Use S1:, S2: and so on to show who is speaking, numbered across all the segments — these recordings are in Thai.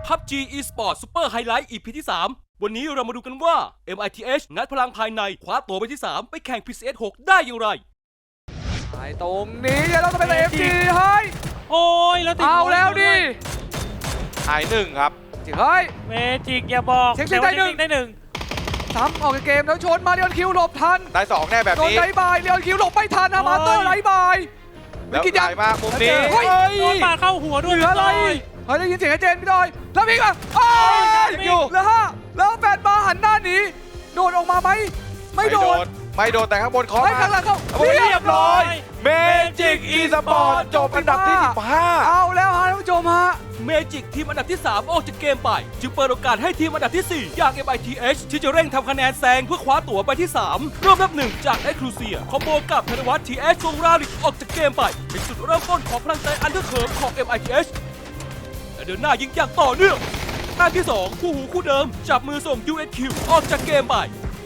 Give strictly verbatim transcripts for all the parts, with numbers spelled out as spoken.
S1: พับจี eSports Super Highlight อี พี ที่ สาม วันนี้เรามาดูกันว่า เอ็ม ไอ ที เอช งัดพลังภายในคว้าตัวไปที่ สาม ไปแข่ง พี ซี เอส หก ได้อย่างไร
S2: ไปตรงนี้เราต้องไปเอฟจีเฮ้ย
S3: โอ้ยแล้วติด
S2: เอาแล้วดิ
S4: หายหนึ่งครับ
S2: จิเฮ้ย
S3: เมจิกอย่าบอก
S2: เช็คซิงได้หนึ่ง
S3: ได้หนึ่ง
S2: ซ้ำออกจากเกมแล้วชนมาเรียนคิวหลบทัน
S4: ได้สองแน่แบบ
S2: โดน
S4: นี้
S2: ไล่บายเรียนคิวหลบไม่ทันนะมาเตอร์ไล่บาย
S4: แล้ว
S2: กิน
S4: ให
S2: ยั
S4: ญ่
S2: ง
S4: มากมุมนี้
S2: เฮ้ย
S3: โดนปาเข้าหัวด้วย
S2: เหลืออะไรเฮ้ยได้ยินเสียงไอ้เจนพี่ดอยแล้วพี่อ่ะโอ้ย
S3: อยู่
S2: แล้วฮะแล้วแฟนมาหันหน้าหนีโดนออกมาไหมไม่โดน
S4: ไม่โดนแต่ข้างบนเคาะ
S2: ไม่
S4: มา
S2: ข้างหลังเขา
S4: เรียบร้อยเมจิกอีสปอร์ตจบอันดับที่สิบห้า
S2: เอาแล้วฮะท่านผู้ชมฮะ
S1: เมจิกทีมอันดับที่ สาม ออกจากเกมไป จึงเปิดโอกาสให้ทีมอันดับที่ สี่ อย่าง เอ็ม ไอ ที เอช ที่จะเร่งทำคะแนนแซงเพื่อคว้าตั๋วไปที่ สาม เริ่มนับหนึ่งจาก Exclusia คอมโบกับธนวัฒน์ ที เอช ส่งราลิกออกจากเกมไป เป็นจุดเริ่มต้นของพลังใจอันเดอร์เคิร์ฟของ เอ็ม ไอ ที เอช และเดินหน้ายิงอย่างต่อเนื่องแต้มที่ สอง คู่หูคู่เดิมจับมือส่ง ยู เอส คิว ออกจากเกมไป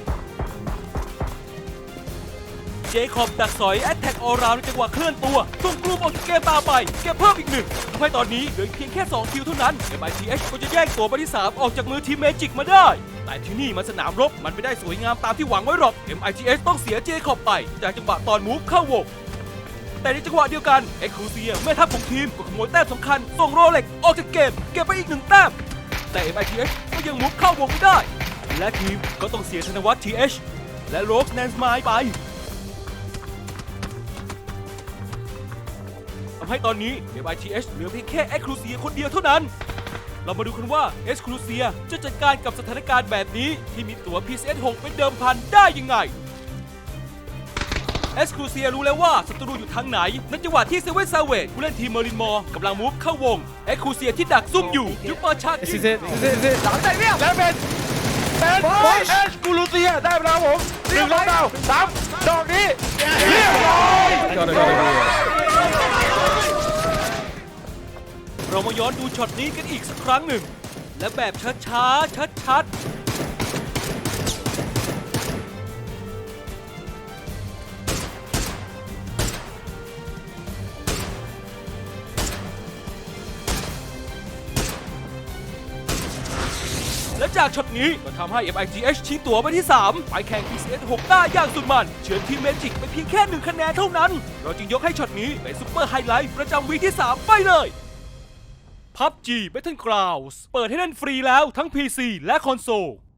S1: เจคอบดักสอยแอตแทกออราวในจังหวะเคลื่อนตัวส่งกลุ่มออกจากเกมตามไปเก็บเพิ่มอีกหนึ่งทำให้ตอนนี้เหลือเพียงแค่สองคิวเท่านั้น เอ็ม ไอ ที เอช ก็จะแย่งตัวไปที่ สาม ออกจากมือทีมเมจิกมาได้ แต่ที่นี่มันสนามรบมันไม่ได้สวยงามตามที่หวังไว้หรอก เอ็ม ไอ ที เอช ต้องเสียเจคอบไปจากจังหวะตอนมูฟเข้าวงแต่ในจังหวะเดียวกันเอ็กซ์คลูเซียแม่ทัพของทีมก็ขโมยแต้มสำคัญส่งโรเล็กออกจากเกมเก็บไปอีกหนึ่งแต้มแต่ เอ็ม ไอ ที เอช ก็ยังมูฟเข้าวงไม่ได้และทีมก็ต้องเสียธนวัฒน์ ที เอช และโรสแนนสไมล์ไปทำให้ตอนนี้ เอ็ม ไอ ที เอช เหลือเพียงแค่ Exclusia คนเดียวเท่านั้น เรามาดูกันว่า Exclusia จะจัดการกับสถานการณ์แบบนี้ที่มีตั๋ว พี ซี เอส หก เป็นเดิมพันได้ยังไง Exclusia รู้แล้วว่าศัตรูอยู่ทางไหนในจังหวะที่เซเว่นซาเวตผู้เล่นทีมเมอรินมอร์กำลังมูฟเข้าวง Exclusia ที่ดักซุ่มอยู่ยุบเปิดฉากยิง
S2: หลังใจเรียบ
S4: และเป็นเป็นบอลเอสกูลูเซียได้ไปแล้วผมหนึ่งแล้วดาวสามดอกนี้เรียบร้อย
S1: เรามาย้อนดูช็อตนี้กันอีกสักครั้งหนึ่ง และแบบช้าๆ ชัดๆ และจากช็อตนี้ก็ทำให้ เอ็ม ไอ ที เอช ชิงตั๋วไปที่ สาม ไปแข่ง พี ซี เอส หก ได้อย่างสุดมันเฉือนทีมเมจิกไปเพียงแค่หนึ่งคะแนนเท่านั้น เราจึงยกให้ช็อตนี้เป็นซุปเปอร์ไฮไลท์ประจำวีคที่ สาม ไปเลย พับจี Battlegrounds เปิดให้เล่นฟรีแล้วทั้ง พี ซี และคอนโซล